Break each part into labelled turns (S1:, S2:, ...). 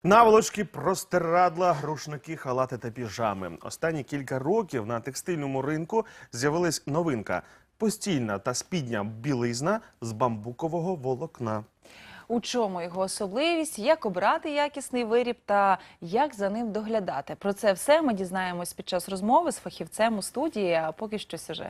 S1: Наволочки, простирадла, рушники, халати та піжами. Останні кілька років на текстильному ринку з'явилась новинка – постільна та спідня білизна з бамбукового волокна.
S2: У чому його особливість, як обрати якісний виріб та як за ним доглядати? Про це все ми дізнаємось під час розмови з фахівцем у студії, а поки що сюжет.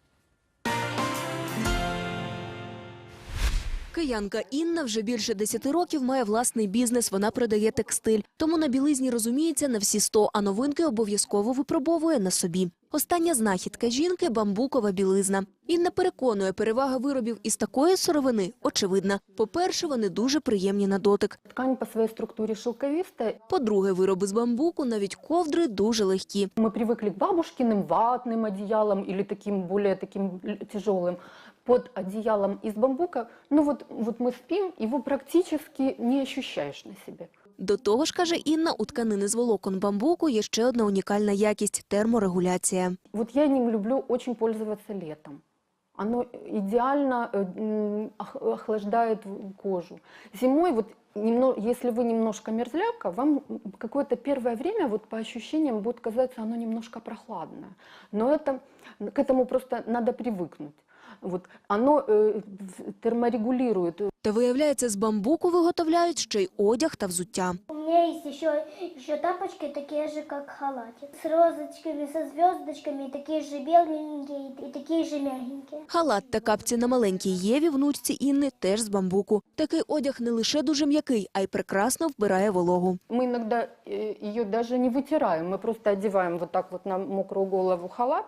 S3: Киянка Інна вже більше 10 років має власний бізнес, вона продає текстиль. Тому на білизні розуміється на всі 100, а новинки обов'язково випробовує на собі. Остання знахідка жінки – бамбукова білизна. Інна переконує, перевага виробів із такої сировини очевидна. По-перше, вони дуже приємні на дотик.
S4: Ткань по своей структуре шелковистая.
S3: По-друге, вироби з бамбуку, навіть ковдри, дуже легкі.
S4: Мы привыкли к бабушкиным ватным одеялам или таким более тяжелым. Под одеялом из бамбука, вот мы спим, его практически не ощущаешь на себе.
S3: До того ж, каже Інна, у тканини з волокон бамбуку є ще одна унікальна якість – терморегуляція.
S4: Вот я ним люблю очень пользоваться летом. Оно идеально охлаждает кожу. Зимой, если вы немножко мерзляка, вам какое-то первое время по ощущениям будет казаться оно немножко прохладное. Но к этому просто надо привыкнуть. Оно терморегулирует.
S3: Та виявляється, з бамбуку виготовляють ще й одяг та взуття.
S5: У меня есть еще тапочки, такие же, как халатик. С розочками, со звездочками, такие же беленькие и такие же мягенькие.
S3: Халат та капці на маленькій Єві, внучці Інни, теж з бамбуку. Такий одяг не лише дуже м'який, а й прекрасно вбирає вологу.
S4: Мы иногда ее даже не вытираем, мы просто одеваем вот так вот на мокрую голову халат.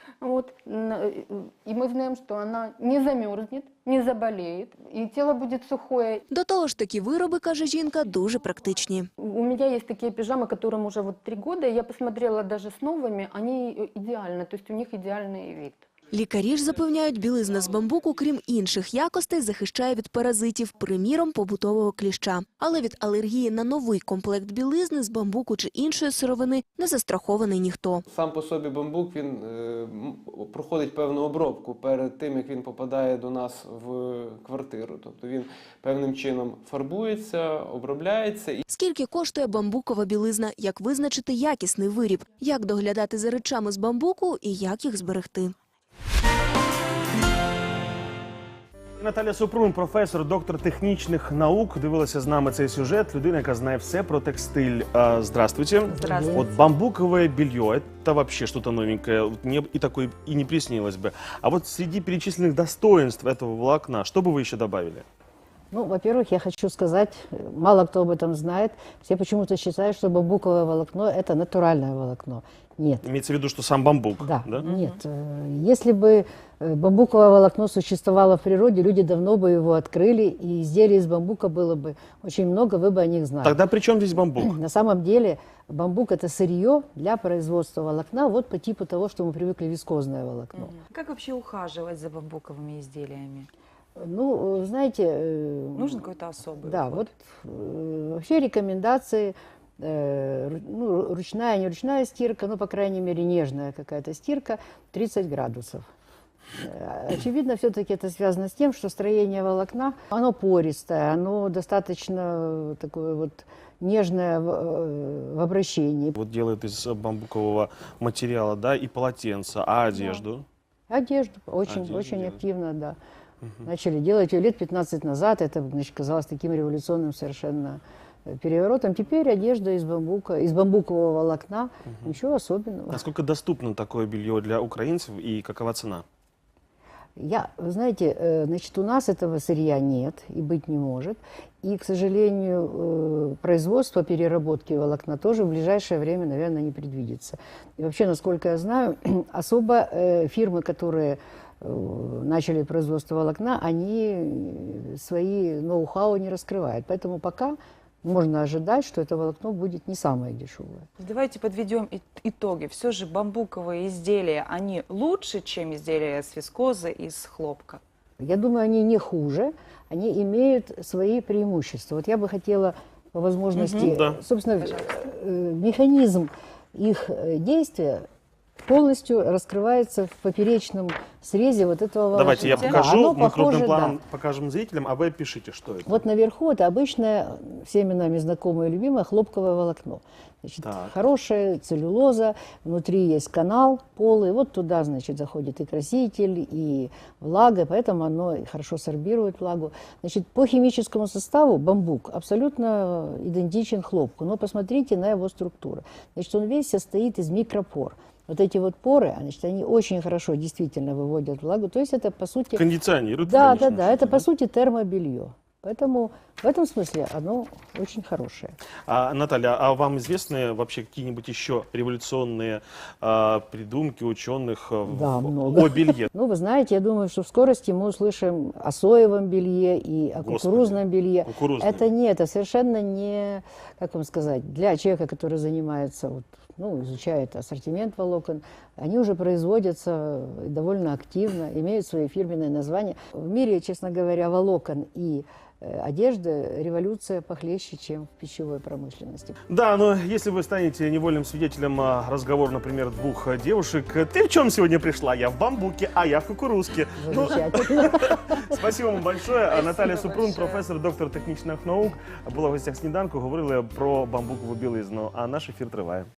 S4: И мы знаем, что она не замерзнет, не заболеет, и тело будет сухое.
S3: До того ж, такі вироби, каже жінка, дуже практичні.
S4: У меня есть такие пижамы, которым уже 3 года, я посмотрела даже с новыми, они идеальны, то есть у них идеальный вид.
S3: Лікарі ж запевняють, білизна з бамбуку, крім інших якостей, захищає від паразитів, приміром, побутового кліща. Але від алергії на новий комплект білизни з бамбуку чи іншої сировини не застрахований ніхто.
S6: Сам по собі бамбук, він проходить певну обробку перед тим, як він попадає до нас в квартиру. Тобто він певним чином фарбується, обробляється.
S3: Скільки коштує бамбукова білизна, як визначити якісний виріб, як доглядати за речами з бамбуку і як їх зберегти.
S1: Наталя Супрун, професор, доктор технічних наук, дивилася з нами цей сюжет. Людина, яка знає все про текстиль. Здравствуйте.
S2: Здравствуйте.
S1: Вот бамбуковое белье – это вообще что-то новенькое. Мне и такое и не приснилось бы. А вот среди перечисленных достоинств этого волокна, что бы вы еще добавили?
S7: Во-первых, я хочу сказать, мало кто об этом знает. Все почему-то считают, что бамбуковое волокно – это натуральное волокно. Нет.
S1: Имеется в виду, что сам бамбук?
S7: Да, нет. Если бы бамбуковое волокно существовало в природе, люди давно бы его открыли, и изделий из бамбука было бы очень много, вы бы о них знали.
S1: Тогда при чем здесь бамбук?
S7: На самом деле бамбук – это сырье для производства волокна, вот по типу того, что мы привыкли вискозное волокно.
S2: Как вообще ухаживать за бамбуковыми изделиями?
S7: Знаете…
S2: Нужен какой-то особый
S7: Да,
S2: уход?
S7: Вообще рекомендации, ручная, не ручная стирка, по крайней мере, нежная какая-то стирка, 30 градусов. Очевидно, все-таки это связано с тем, что строение волокна, оно пористое, оно достаточно такое нежное в обращении.
S1: Вот делают из бамбукового материала, да, и полотенца, а одежду?
S7: Да. Одежду очень активно, да. Начали делать ее лет 15 назад, это, казалось таким революционным совершенно переворотом. Теперь одежда из бамбукового волокна, ничего особенного.
S1: Насколько доступно такое белье для украинцев и какова цена?
S7: Вы знаете, у нас этого сырья нет и быть не может. И, к сожалению, производство переработки волокна тоже в ближайшее время, наверное, не предвидится. И вообще, насколько я знаю, особо фирмы, которые начали производство волокна, они свои ноу-хау не раскрывают. Поэтому пока можно ожидать, что это волокно будет не самое дешевое.
S2: Давайте подведем итоги. Все же бамбуковые изделия, они лучше, чем изделия с вискозы и с хлопка?
S7: Я думаю, они не хуже, они имеют свои преимущества. Вот я бы хотела по возможности, собственно, механизм их действия полностью раскрывается в поперечном срезе вот этого волокна.
S1: Давайте я
S7: Да,
S1: покажу,
S7: оно
S1: мы крупным
S7: похоже,
S1: планом
S7: да.
S1: покажем зрителям, а вы пишите, что это.
S7: Вот наверху это обычное, всеми нами знакомое и любимое хлопковое волокно. Значит,
S1: Так.
S7: хорошая целлюлоза, внутри есть канал полый, вот туда, значит, заходит и краситель, и влага, поэтому оно и хорошо сорбирует влагу. Значит, по химическому составу бамбук абсолютно идентичен хлопку, но посмотрите на его структуру. Значит, он весь состоит из микропор. Вот эти вот поры, значит, они очень хорошо действительно выводят влагу, то есть это, по сути...
S1: Кондиционирует.
S7: Да,
S1: конечно,
S7: да, да, это,
S1: да.
S7: по сути, термобелье. Поэтому в этом смысле оно очень хорошее.
S1: Наталья, а вам известны вообще какие-нибудь еще революционные придумки ученых
S7: Да, много.
S1: о белье?
S7: Ну, вы знаете, я думаю, что в скорости мы услышим о соевом белье и о
S1: Господи,
S7: кукурузном белье.
S1: кукурузное.
S7: Это нет, это совершенно не, как вам сказать, для человека, который занимается, вот, ну, изучает ассортимент волокон, они уже производятся довольно активно, имеют свои фирменные названия. В мире, честно говоря, волокон и одежды революция похлеще, чем в пищевой промышленности.
S1: Да, но если вы станете невольным свидетелем разговора, например, двух девушек, ты в чем сегодня пришла? Я в бамбуке, а я в кукурузке. Ну,
S7: Замечательно.
S1: спасибо вам большое.
S2: Спасибо
S1: Наталя Супрун,
S2: большое.
S1: професор, доктор технічних наук, була в гостях сніданку, говорили про бамбукову білизну, а наш ефір триває.